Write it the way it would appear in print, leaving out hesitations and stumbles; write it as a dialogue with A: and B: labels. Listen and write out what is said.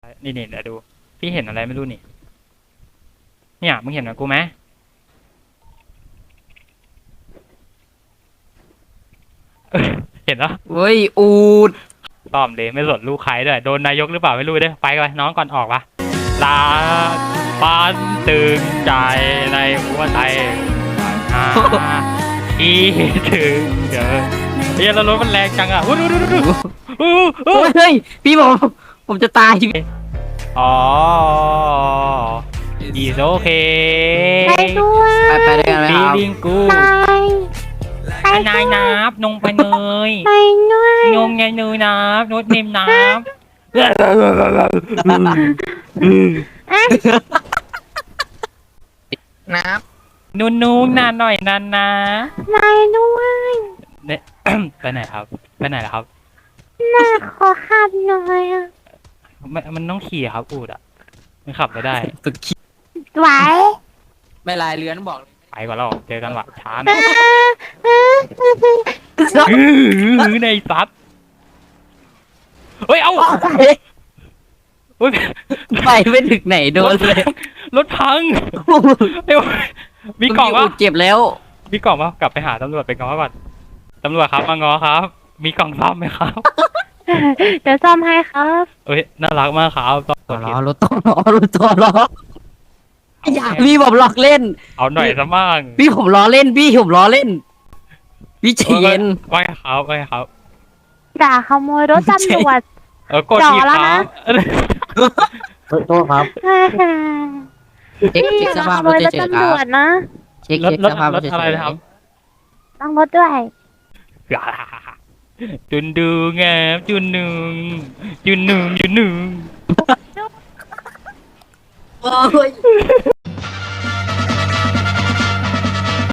A: นี่เดี๋ยวดูพี่เห็นอะไรไม่รู้นี่เนี่ยมึงเห็นเหมือนกูไหมเห็นเหรอ
B: เฮ้ยอูด
A: ต้อมเลยไม่สนลูกใครด้วยโดนนายกหรือเปล่าไม่รู้เด้อไปก่อนน้องก่อนออกปะลาบ้านตึงใจในหัวใจอ่าอีถึงเดี๋ยวเฮ้ยแล้วรถมันแรงจังอ่ะอู้ดู
B: เฮ้ยพี่ผมจะตายชีวิต
A: อ๋ออีโอเค
C: ไปด้วย
B: ไปด้วยกันไหมค
A: ฟี
B: รับ
A: ลิงกู
C: ไป
A: นายนับนงไปเนย
C: ไปด้วย
A: นงไงเนยนับโน้ตเนมนับ
B: น้
A: นูนนานหน่อยนานนะ
C: ไปด้วย
A: เนี่ย ไปไหนครับไปไหนล่ะครับ
C: น่าขอขับหน่อยอ่ะ
A: มันต้องขี่ครับอูดอ่ะมันขับไม่ได้
B: ำสุดขี้
C: ไหว
B: ไม่ลายเรือนบอกเลย
A: ไปก่อนเราเจอกันว่ะช้าห
C: เอ
A: น่อย ในซัดเฮ้ยเอาเฮ้ย
B: ไปไม่ถึงไหนโดนเลย
A: รถพังเฮ้ยมีกล่อง
B: อู
A: วะ
B: ดเจ็บแล้ว
A: มีกล่องวะกลับไปหาตำรวจไปง้อก่อนตำรวจครับมาง้อครับ มีกล่องซ่อมไหมครับ
C: เดี๋ยวซ่อมให้ครับ
A: เอ้ยน่ารักมากครับต้อง
B: ต่อล้อรถต่อล้อรถต่อล้ออยากพี่ผมหลอกเล่น
A: เอาหน่อยซะมั่ง
B: พี่ผมล้อเล่นพี่ผมล้อเล่น พี่ใจเย็น
A: ว่าไงครับว่าไงครับ
C: ด่าขโมยรถตำรวจ
A: กด
C: จ่อ
A: ที
C: แล้ว
A: ครั
C: นะ
A: บ
D: โทษครับ
B: เช็ค
C: พี่
B: ส
C: ด่า
B: ภา
C: ข
B: พ
C: โม
B: รถ
C: ยรถ
B: เฉยๆค
C: ตำ
B: รั
C: ร
B: บ
C: วจนะ
B: เช็ค
A: รถ
B: สภาพรถเฉ
A: อะไร
B: ย
A: นะครับ
C: ต้องรถด้วย
A: จุนดูงามจุนหนึ่งจุนหนึ่ง
B: ๆโอ้ย